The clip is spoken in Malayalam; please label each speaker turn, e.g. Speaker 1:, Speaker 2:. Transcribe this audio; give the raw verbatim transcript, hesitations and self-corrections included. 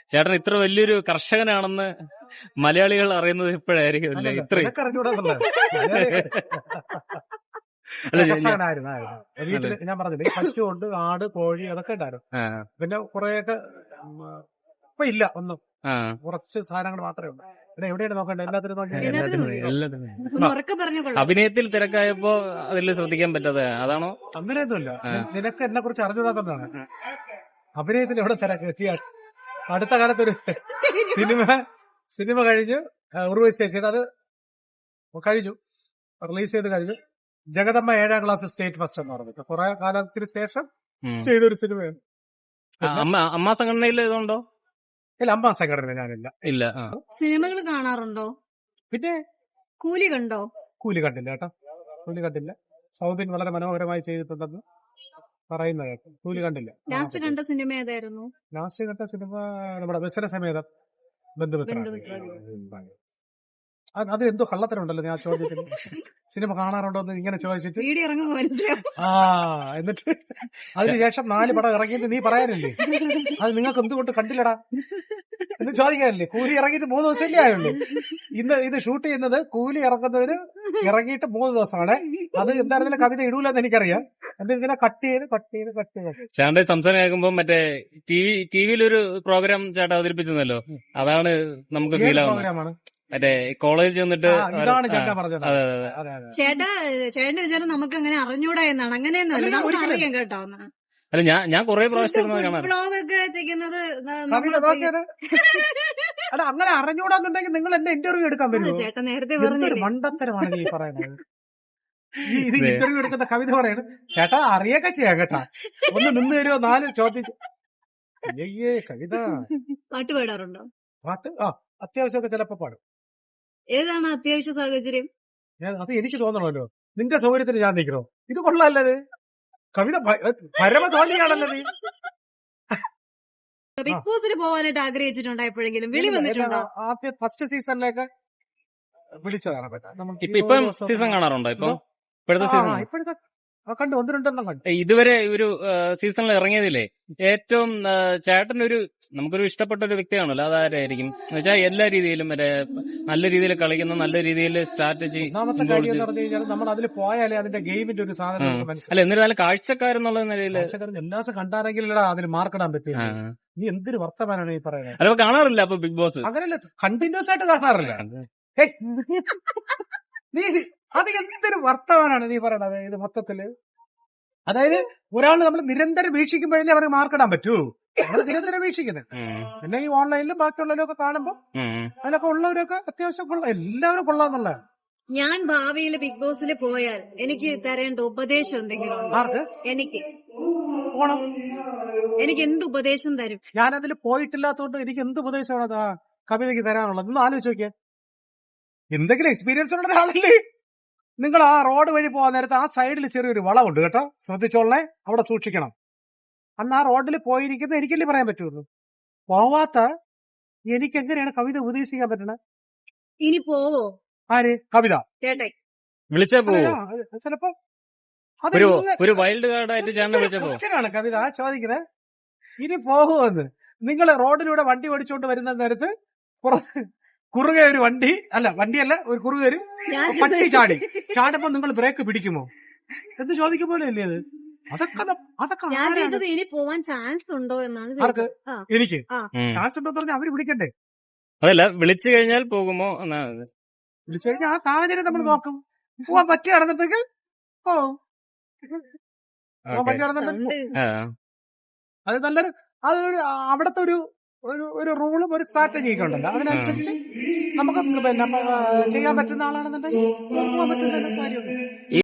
Speaker 1: ചേട്ടൻ ഇത്ര വലിയൊരു കർഷകനാണെന്ന് മലയാളികൾ അറിയുന്നത് ഇപ്പോഴായിരിക്കും അല്ലേ? ഇത്രയും
Speaker 2: വീട്ടില് ഞാൻ പറഞ്ഞില്ലേ പശുണ്ട്, ആട്, കോഴി അതൊക്കെ ഉണ്ടായിരുന്നു. പിന്നെ കുറെയൊക്കെ ഇപ്പൊ ഇല്ല, ഒന്നും കുറച്ച് സാധനങ്ങൾ മാത്രമേ ഉള്ളൂ. പിന്നെ എവിടെയാണ് നോക്കണ്ടേ? എല്ലാത്തിനും
Speaker 1: അഭിനയത്തിൽ തിരക്കായപ്പോ അതിൽ ശ്രദ്ധിക്കാൻ പറ്റാതെ അതാണോ?
Speaker 2: അങ്ങനെയൊന്നുമില്ല. നിനക്ക് എന്നെ കുറിച്ച് അറിഞ്ഞുകൂടാത്തതാണ്. അഭിനയത്തിൽ എവിടെ തിരക്ക്? അടുത്ത കാലത്തൊരു സിനിമ സിനിമ കഴിഞ്ഞ് ഉർവശി ചേച്ചിയുടെ അത് കഴിഞ്ഞു, റിലീസ് ചെയ്ത് കഴിഞ്ഞു. ജഗദമ്മ ഏഴാം ക്ലാസ് സ്റ്റേറ്റ് ഫസ്റ്റ് എന്ന് പറഞ്ഞിട്ട് കുറെ കാലത്തിന് ശേഷം ചെയ്തൊരു സിനിമയാണ്.
Speaker 1: അമ്മ സംഘടനയിൽ ഇതുണ്ടോ?
Speaker 2: ഇല്ല, അമ്മ സംഘടന ഞാനില്ല.
Speaker 1: ഇല്ല.
Speaker 3: സിനിമകൾ കാണാറുണ്ടോ?
Speaker 2: പിന്നെ
Speaker 3: കൂലി കണ്ടോ?
Speaker 2: കൂലി കണ്ടില്ല കേട്ടോ, കൂലി കണ്ടില്ല. സൗബിൻ വളരെ മനോഹരമായി ചെയ്തിട്ടുണ്ടെന്ന് പറയുന്നത് കേട്ടോ. കൂലി കണ്ടില്ല.
Speaker 3: ലാസ്റ്റ് കണ്ട സിനിമ ഏതായിരുന്നു?
Speaker 2: ലാസ്റ്റ് കണ്ട സിനിമ നമ്മുടെ ബസ്സിലെ സമേതം ബന്ധുമിത്ര. അത് എന്തോ കള്ളത്തരമുണ്ടല്ലോ ഞാൻ ചോദിച്ചിട്ട്. സിനിമ കാണാറുണ്ടോ എന്ന് ഇങ്ങനെ ചോദിച്ചിട്ട് ആ എന്നിട്ട് അതിനുശേഷം നാല് പടം ഇറങ്ങിയിട്ട് നീ പറയാനില്ലേ അത് നിങ്ങൾക്ക് എന്തുകൊണ്ട് കണ്ടില്ലടാ എന്ന് ചോദിക്കാനില്ലേ? കൂലി ഇറങ്ങിയിട്ട് മൂന്ന് ദിവസമല്ലേ ആയുള്ളൂ. ഇന്ന് ഇത് ഷൂട്ട് ചെയ്യുന്നത് കൂലി ഇറങ്ങുന്നതിന് ഇറങ്ങിയിട്ട് മൂന്ന് ദിവസമാണ്. അത് എന്തായിരുന്നാലും കവിത ഇടൂലെന്ന് എനിക്കറിയാം. എന്നിങ്ങനെ കട്ട് ചെയ്ത് കട്ട് ചെയ്ത് കട്ട് ചെയ്ത്
Speaker 1: ചേട്ടന്റെ സംസാരം കേൾക്കുമ്പോ മറ്റേ ടി വി ടി വിയിലൊരു പ്രോഗ്രാം ചേട്ടൻ അവതരിപ്പിച്ചെന്നല്ലോ, അതാണ് നമുക്ക് ഫീൽ ആവുന്നത്.
Speaker 2: പ്രോഗ്രാമാണ്
Speaker 1: മറ്റേ കോളേജ് വന്നിട്ട്
Speaker 2: ഇതാണ് ചേട്ടാ പറഞ്ഞത്.
Speaker 3: ചേട്ടാ ചേട്ടന്റെ വിചാരം നമുക്ക് അങ്ങനെ അറിഞ്ഞൂടാ എന്നാണ്. അങ്ങനെയൊന്നുമല്ല, നമുക്ക് അറിയാം കേട്ടോ.
Speaker 1: അല്ല ഞാൻ ഞാൻ കുറെ പ്രാവശ്യം
Speaker 3: ബ്ലോഗൊക്കെ ചെയ്യുന്നത്
Speaker 2: അല്ല അങ്ങനെ അറിഞ്ഞൂടാന്നുണ്ടെങ്കിൽ നിങ്ങൾ എന്നെ ഇന്റർവ്യൂ എടുക്കാൻ പറ്റുമോ?
Speaker 3: ചേട്ടാ നേരത്തെ
Speaker 2: മണ്ടത്തരമാണ് ഈ പറയുന്നത്. ഇത് ഇന്റർവ്യൂ എടുക്കുന്ന കവിത പറയണം ചേട്ടാ അറിയൊക്കെ ചെയ്യാം കേട്ടാ, ഒന്ന് നിന്ന് തരുമോ നാല് ചോദിച്ചു. അയ്യേ കവിത
Speaker 3: പാട്ട് പാടാറുണ്ടോ?
Speaker 2: പാട്ട് ആ അത്യാവശ്യമൊക്കെ ചിലപ്പോ പാടും.
Speaker 3: ഏതാണ് അത്യാവശ്യ സാഹചര്യം?
Speaker 2: അത് എനിക്ക് തോന്നണമല്ലോ, നിന്റെ സൗകര്യത്തിന് ഞാൻ നിൽക്കണോ? ഇത് കൊള്ളാല്ലത് കവിത പരമതോന്നിയാണല്ലോ നീ.
Speaker 3: ബിഗ് ബോസിൽ പോകാനായിട്ട് ആഗ്രഹിച്ചിട്ടുണ്ടോ എപ്പോഴെങ്കിലും? വിളി വന്നിട്ടുണ്ടോ?
Speaker 2: ആദ്യ ഫസ്റ്റ് സീസണിലേക്ക് വിളിച്ചതാണ്.
Speaker 1: ഇപ്പം സീസൺ കാണാറുണ്ടോ? ഇപ്പൊ ഇപ്പോഴത്തെ സീസൺ
Speaker 2: ഇപ്പോഴത്തെ കണ്ടു, ഒന്ന് രണ്ടെണ്ണം കണ്ടു.
Speaker 1: ഇതുവരെ ഒരു സീസണിൽ ഇറങ്ങിയതില്ലേ ഏറ്റവും ചേട്ടന്റെ ഒരു നമുക്കൊരു ഇഷ്ടപ്പെട്ട ഒരു വ്യക്തിയാണല്ലോ, അതാരായിരിക്കും എന്ന് വെച്ചാൽ എല്ലാ രീതിയിലും മറ്റേ നല്ല രീതിയിൽ കളിക്കുന്ന, നല്ല രീതിയിൽ സ്ട്രാറ്റജി.
Speaker 2: ഒന്നാമത്തെ കാര്യം എന്ന് പറഞ്ഞു കഴിഞ്ഞാൽ നമ്മൾ അതിൽ പോയാലേ അതിന്റെ ഗെയിമിന്റെ ഒരു സാധനം
Speaker 1: അല്ല, എന്നിരുന്നാലും കാഴ്ചക്കാരെന്നുള്ള നിലയിൽ
Speaker 2: എല്ലാ ദിവസം കണ്ടാരെങ്കിലടാ അതിൽ മാർക്കിടാൻ പറ്റും. നീ എന്തൊരു വർത്തമാനാണ് ഈ പറയുന്നത്?
Speaker 1: അല്ല കാണാറില്ല അപ്പൊ ബിഗ് ബോസ്?
Speaker 2: അങ്ങനെയല്ല, കണ്ടിന്യൂസ് ആയിട്ട് കാണാറില്ല. നീ അത് എന്തൊരു വർത്തമാനാണ് നീ പറയണത് ഇത് മൊത്തത്തില്? അതായത് ഒരാൾ നമ്മൾ നിരന്തരം വീക്ഷിക്കുമ്പോഴല്ലേ അവർക്ക് മാർക്കിടാൻ പറ്റൂ. നമ്മൾ നിരന്തരം വീക്ഷിക്കുന്നത്. പിന്നെ ഈ ഓൺലൈനിലും ബാക്കിയുള്ളവരൊക്കെ കാണുമ്പോ അതിലൊക്കെ ഉള്ളവരൊക്കെ അത്യാവശ്യം കൊള്ളാം, എല്ലാവരും കൊള്ളാന്നുള്ള.
Speaker 3: ഞാൻ ഭാവിയിൽ ബിഗ് ബോസിൽ പോയാൽ എനിക്ക് തരേണ്ട ഉപദേശം എന്തെങ്കിലും എനിക്ക്
Speaker 2: പോണം.
Speaker 3: എനിക്ക് എന്ത് ഉപദേശം തരും?
Speaker 2: ഞാനതിൽ പോയിട്ടില്ലാത്തതുകൊണ്ട് എനിക്ക് എന്ത് ഉപദേശമാണ് അതാ കവിതയ്ക്ക് തരാനുള്ളത്? ഒന്ന് ആലോചിച്ച് നോക്കിയാൽ. എന്തെങ്കിലും എക്സ്പീരിയൻസ് ഉള്ള ഒരാളല്ലേ നിങ്ങൾ. ആ റോഡ് വഴി പോകാൻ നേരത്തെ ആ സൈഡിൽ ചെറിയൊരു വളമുണ്ട് കേട്ടോ, ശ്രദ്ധിച്ചോളേ, അവിടെ സൂക്ഷിക്കണം. അന്ന് ആ റോഡിൽ പോയിരിക്കുന്നത് എനിക്കല്ലേ പറയാൻ പറ്റുള്ളൂ. പോവാത്ത എനിക്ക് എങ്ങനെയാണ് കവിത ഉപദേശിക്കാൻ പറ്റണത്?
Speaker 3: ഇനി പോവോ?
Speaker 2: ആര്? കവിത
Speaker 1: വിളിച്ചാ പോവോ?
Speaker 2: ചിലപ്പോ
Speaker 1: ഒരു വൈൽഡ് കാർഡായിട്ട്
Speaker 2: ക്വസ്റ്റ്യനാണ് കവിത ചോദിക്കുന്നത്. ഇനി പോകുമെന്ന് നിങ്ങൾ റോഡിലൂടെ വണ്ടി ഓടിച്ചോണ്ട് വരുന്ന നേരത്ത് കുറുകെ ഒരു വണ്ടി, അല്ല വണ്ടിയല്ല, ഒരു കുറുകെ ഒരു പട്ടി ചാടി ചാടുമ്പോ നിങ്ങൾ ബ്രേക്ക് പിടിക്കുമോ എന്ന് ചോദിക്കുമ്പോലെ അല്ലേ അത്? അതൊക്കെ അതൊക്കെ
Speaker 3: ഞാൻ ചോദിച്ചത് ഇനി പോവാൻ ചാൻസ് ഉണ്ടോ എന്നാണ്.
Speaker 2: എനിക്ക് ചാൻസ് ഉണ്ടോ പറഞ്ഞാൽ അവര് വിളിക്കണ്ടേ?
Speaker 1: അതല്ല, വിളിച്ചു കഴിഞ്ഞാൽ പോകുമോ?
Speaker 2: വിളിച്ചു കഴിഞ്ഞാൽ ആ സാഹചര്യം നമ്മൾ നോക്കും. പോവാൻ പറ്റി നടന്നിട്ടെങ്കിൽ പോവും, പറ്റി നടന്നിട്ട് അത് നല്ലൊരു അതൊരു അവിടത്തെ ഒരു ഒരു ഒരു റൂളും ഒരു സ്ട്രാറ്റജിയൊക്കെ ഉണ്ടല്ലോ, അതിനനുസരിച്ച് നമുക്ക് പിന്നെ ചെയ്യാൻ പറ്റുന്ന ആളാണെന്നുണ്ടെങ്കിൽ പോകാൻ പറ്റുന്ന കാര്യമുണ്ട്.